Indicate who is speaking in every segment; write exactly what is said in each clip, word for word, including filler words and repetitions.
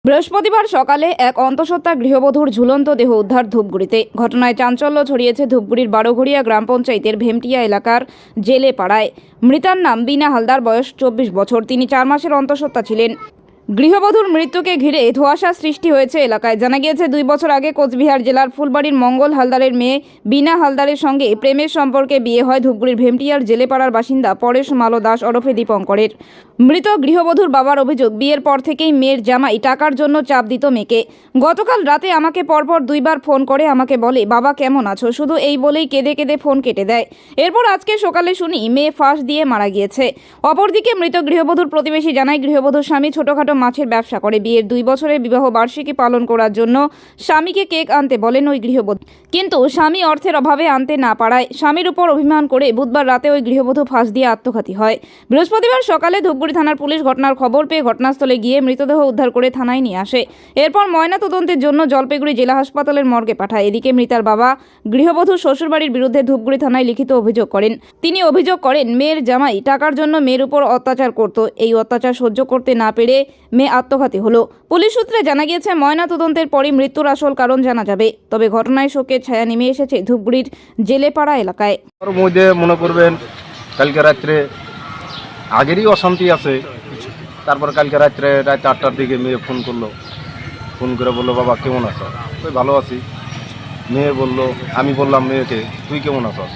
Speaker 1: বৃহস্পতিবার সকালে এক অন্তঃসত্ত্বা গৃহবধূর ঝুলন্ত দেহ উদ্ধার ধূপগুড়িতে। ঘটনায় চাঞ্চল্য ছড়িয়েছে ধূপগুড়ির বারোঘড়িয়া গ্রাম পঞ্চায়েতের ভেমটিয়া এলাকার জেলে পাড়ায়। মৃতার নাম বিনা হালদার, বয়স চব্বিশ বছর। তিনি চার মাসের অন্তঃসত্ত্বা ছিলেন। গৃহবধূর মৃত্যুকে ঘিরে ধোঁয়াশা সৃষ্টি হয়েছে এলাকায়। জানা গিয়েছে, দুই বছর আগে কোচবিহার জেলার ফুলবাড়ির মঙ্গল হালদারের মেয়ে বিনা হালদারের সঙ্গে প্রেমের সম্পর্কে বিয়ে হয় ধূপগুড়ির ভেমটিয়ার জেলেপাড়ার বাসিন্দা পরেশ মালো দাস ওরফে দীপঙ্করের। মৃত গৃহবধূর বাবার অভিযোগ, বিয়ের পর থেকেই মেয়ের জামাই টাকার জন্য চাপ দিত মেয়েকে। গতকাল রাতে আমাকে পরপর দুইবার ফোন করে আমাকে বলে, বাবা কেমন আছো, শুধু এই বলেই কেঁদে কেঁদে ফোন কেটে দেয়। এরপর আজকে সকালে শুনি মেয়ে ফাঁস দিয়ে মারা গিয়েছে। অপরদিকে মৃত গৃহবধূর প্রতিবেশী জানায়, গৃহবধূর স্বামী ছোটখাটো মাছের ব্যবসা করে। বিয়ের দুই বছরের বিবাহ বার্ষিকী পালন করার জন্য স্বামীকে কেক আনতে বলেন ওই গৃহবধূ, কিন্তু স্বামী অর্থের অভাবে আনতে না পারায় স্বামীর উপর অভিমান করে বুধবার রাতে ওই গৃহবধূ ফাঁস দিয়ে আত্মঘাতী হয়। বৃহস্পতিবার সকালে ধূপগুড়ি থানার পুলিশ ঘটনার খবর পেয়ে ঘটনাস্থলে গিয়ে মৃতদেহ উদ্ধার করে থানায় নিয়ে আসে। এরপর ময়না তদন্তের জন্য জলপাইগুড়ি জেলা হাসপাতালের মর্গে পাঠায়। এদিকে মৃতার বাবা গৃহবধূর শ্বশুরবাড়ির বিরুদ্ধে ধূপগুড়ি থানায় লিখিত অভিযোগ করেন। তিনি অভিযোগ করেন, মেয়ের জামাই টাকার জন্য মেয়ের উপর অত্যাচার করত। এই অত্যাচার সহ্য করতে না পেরে মেয়ে আত্মঘাতী হলো। পুলিশ সূত্রে জানা গিয়েছে, ময়না তদন্তের পরই মৃত্যুর আসল কারণ জানা যাবে। তবে ঘটনায় শোকের ছায়া নেমে এসেছে ধূপগুড়ির জেলেপাড়া এলাকায়।
Speaker 2: মধ্যে মনে করবেন কালকে রাত্রে আগেরই অশান্তি আছে। তারপর কালকে রাত্রে রাত আটটার দিকে মেয়ে ফোন করলো। ফোন করে বললো, বাবা কেমন আছো? ওই ভালো আছি। মেয়ে বললো, আমি বললাম মেয়েকে, তুই কেমন আছস?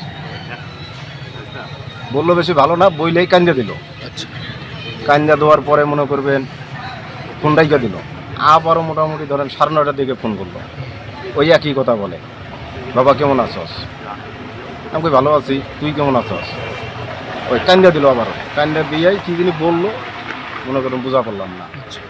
Speaker 2: বললো বেশি ভালো না, বইলেই কান্দা দিল। কান্দা দেওয়ার পরে মনে করবেন ফোন রাইখা দিল। আবারও মোটামুটি ধরেন সাড়ে নটার দিকে ফোন করলো। ওই একই কথা বলে, বাবা কেমন আছস? আমি কই ভালো আছি, তুই কেমন আছস? ওই কান্দা দিল। আবার কান্দা দিয়াই কি জিনিস বললো মনে করেন বোঝা পারলাম না।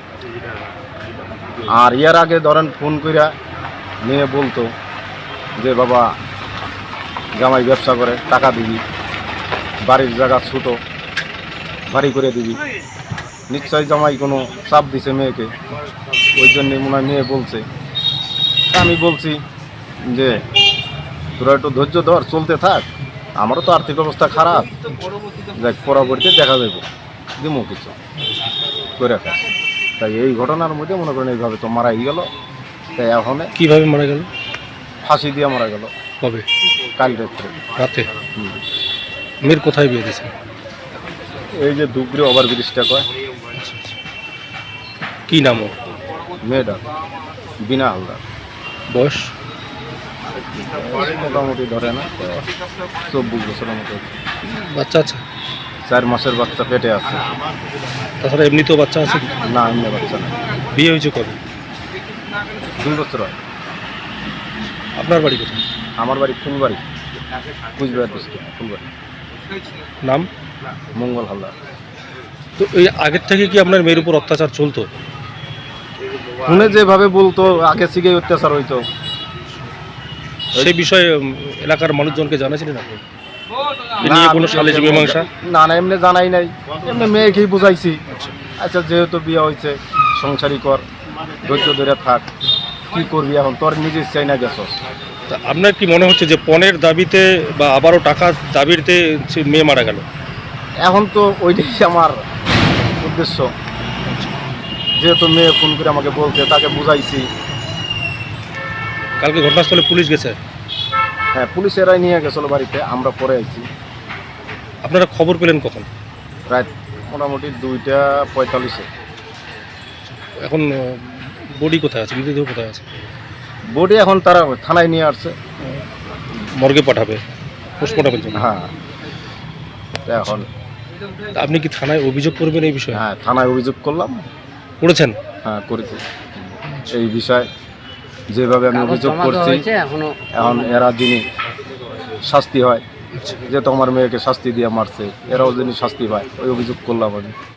Speaker 2: আর ইয়ার আগে ধরেন ফোন কইরা মেয়ে বলতো যে, বাবা জামাই ব্যবসা করে, টাকা দিবি, বাড়ির জায়গা ছোটো, বাড়ি করে দিবি। নিশ্চয়ই জামাই কোনো চাপ দিছে মেয়েকে, ওই জন্যে মনে হয় মেয়ে বলছে। আমি বলছি যে, তোরা একটু ধৈর্য ধর, চলতে থাক, আমারও তো আর্থিক অবস্থা খারাপ, দেখ পরবর্তীতে দেখা যাবে, দিমো কিছু করে খাস। তাই এই ঘটনার মধ্যে মনে করেন এইভাবে তো মারাই গেল। তাই এখন
Speaker 3: কিভাবে মারা গেল?
Speaker 2: ফাঁসি দিয়ে মারা গেল।
Speaker 3: কবে?
Speaker 2: কাল রাত্রে
Speaker 3: রাতে। মেয়ের কোথায় বিয়ে দিয়েছে?
Speaker 2: এই যে ধূপগুড়ি ওভার ব্রিজটা কয়।
Speaker 3: কি নাম ওর?
Speaker 2: মেয়েটা বিনা হালদার।
Speaker 3: বয়স?
Speaker 2: মোটামুটি ধরে না চব্বিশ বছরের মতো।
Speaker 3: বাচ্চা আছে?
Speaker 2: চার মাসের বাচ্চা পেটে আছে।
Speaker 3: তাছাড়া এমনিতেও বাচ্চা আছে?
Speaker 2: না, এমনি বাচ্চা না।
Speaker 3: বিয়ে হয়েছে কবে?
Speaker 2: দুই বছর হয়।
Speaker 3: আপনার বাড়ি কোথায়?
Speaker 2: আমার বাড়ি ফুলবাড়ি, কুচবিহার ডিস্ট্রিক্ট ফুলবাড়ি।
Speaker 3: নাম?
Speaker 2: মঙ্গল হালদার।
Speaker 3: তো এই আগের থেকে কি আপনার মেয়ের উপর অত্যাচার চলতো?
Speaker 2: শুনে যেভাবে বলতো আগে থেকে অত্যাচার হইতো।
Speaker 3: সেই বিষয়ে এলাকার মানুষজনকে জানাছিলেন আপনি? নিয়ে কোনো সালিশ মীমাংসা?
Speaker 2: না না, এমনি জানাই নাই। এমনি মেয়েকেই বুঝাইছি, আচ্ছা যেহেতু বিয়ে হয়েছে, সংসারই কর, ধৈর্য ধরে থাক, কি করবি এখন, তোর নিজের চাই না গেছস।
Speaker 3: তা আপনার কি মনে হচ্ছে যে পণের দাবিতে বা আবারও টাকার দাবিতে মেয়ে মারা গেল?
Speaker 2: এখন তো ওইটাই আমার উদ্দেশ্য। যেহেতু মেয়ে ফোন করে আমাকে বলছে, তাকে বুঝাইছি।
Speaker 3: কালকে ঘটনাস্থলে পুলিশ গেছে?
Speaker 2: হ্যাঁ, পুলিশ এরাই নিয়ে গেছিলো বাড়িতে, আমরা পরে আইছি।
Speaker 3: আপনারা খবর পেলেন কখন?
Speaker 2: রাত মোটামুটি দুইটা পঁয়তাল্লিশে।
Speaker 3: এখন বডি কোথায় আছে, মৃতদেহ কোথায় আছে?
Speaker 2: বডি এখন তারা থানায় নিয়ে আসছে,
Speaker 3: মর্গে পাঠাবে পোস্টমর্টমের জন্য।
Speaker 2: হ্যাঁ, এখন
Speaker 3: আপনি কি থানায় অভিযোগ করবেন এই বিষয়ে?
Speaker 2: হ্যাঁ, থানায় অভিযোগ করলাম।
Speaker 3: করেছেন?
Speaker 2: হ্যাঁ, করেছি। এই বিষয়ে যেভাবে আমি অভিযোগ করছি, এখন এরা যিনি শাস্তি হয়, যেহেতু আমার মেয়েকে শাস্তি দিয়ে মারছে, এরাও যিনি শাস্তি পায়, ওই অভিযোগ করলাম আমি।